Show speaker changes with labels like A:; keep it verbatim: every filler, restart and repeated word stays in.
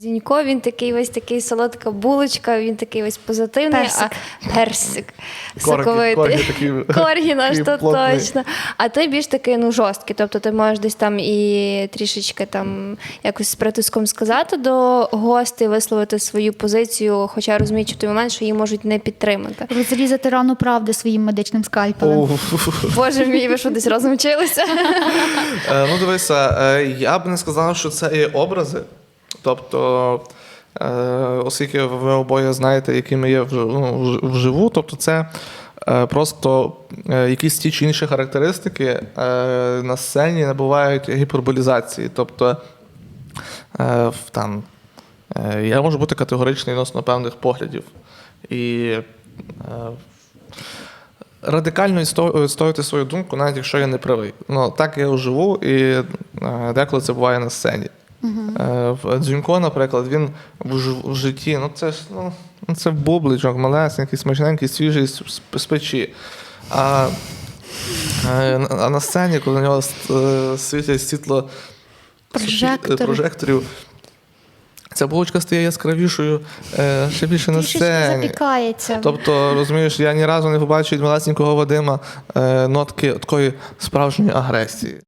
A: Дзюнько, він такий весь такий солодка булочка, він такий весь позитивний,
B: Персик.
A: а персик
C: Коргі,
A: соковитий.
C: коргі такі.
A: Коргі наш,
C: такий
A: то
C: плотний.
A: точно. А той більш такий, ну, жорсткий, тобто ти можеш десь там і трішечки там якось з притиском сказати до гостей, висловити свою позицію, хоча розуміючи в той момент, що її можуть не підтримати.
B: Розрізати рану правди своїм медичним скальпелем.
C: О,
A: Боже мій, ви що десь разом вчилися?
C: Е, Ну, дивися, е, я б не сказав, що це є образи. Тобто, е, оскільки ви обоє знаєте, якими є вж- ну, вж- вживу, тобто це е, просто е, якісь ті чи інші характеристики е, на сцені набувають гіперболізації. Тобто, е, в- там, е, я можу бути категоричний відносно певних поглядів. І е, радикально відсто- відстоювати свою думку, навіть якщо я не правий. Ну, так я живу, і е, деколи це буває на сцені. Е, в Дзюнько, наприклад, він в, ж- в житті, ну це ж ну, ну, це бубличок, малесенький, смачненький, свіжий з, з- з печі. А, е, на- а на сцені, коли на нього с- е, світять світло
B: Прожектори.
C: прожекторів, ця булочка стає яскравішою е, ще більше на
B: Трішечки
C: сцені.
B: запікається.
C: Тобто, розумієш, я ні разу не побачив від малесенького Вадима е, нотки такої справжньої агресії.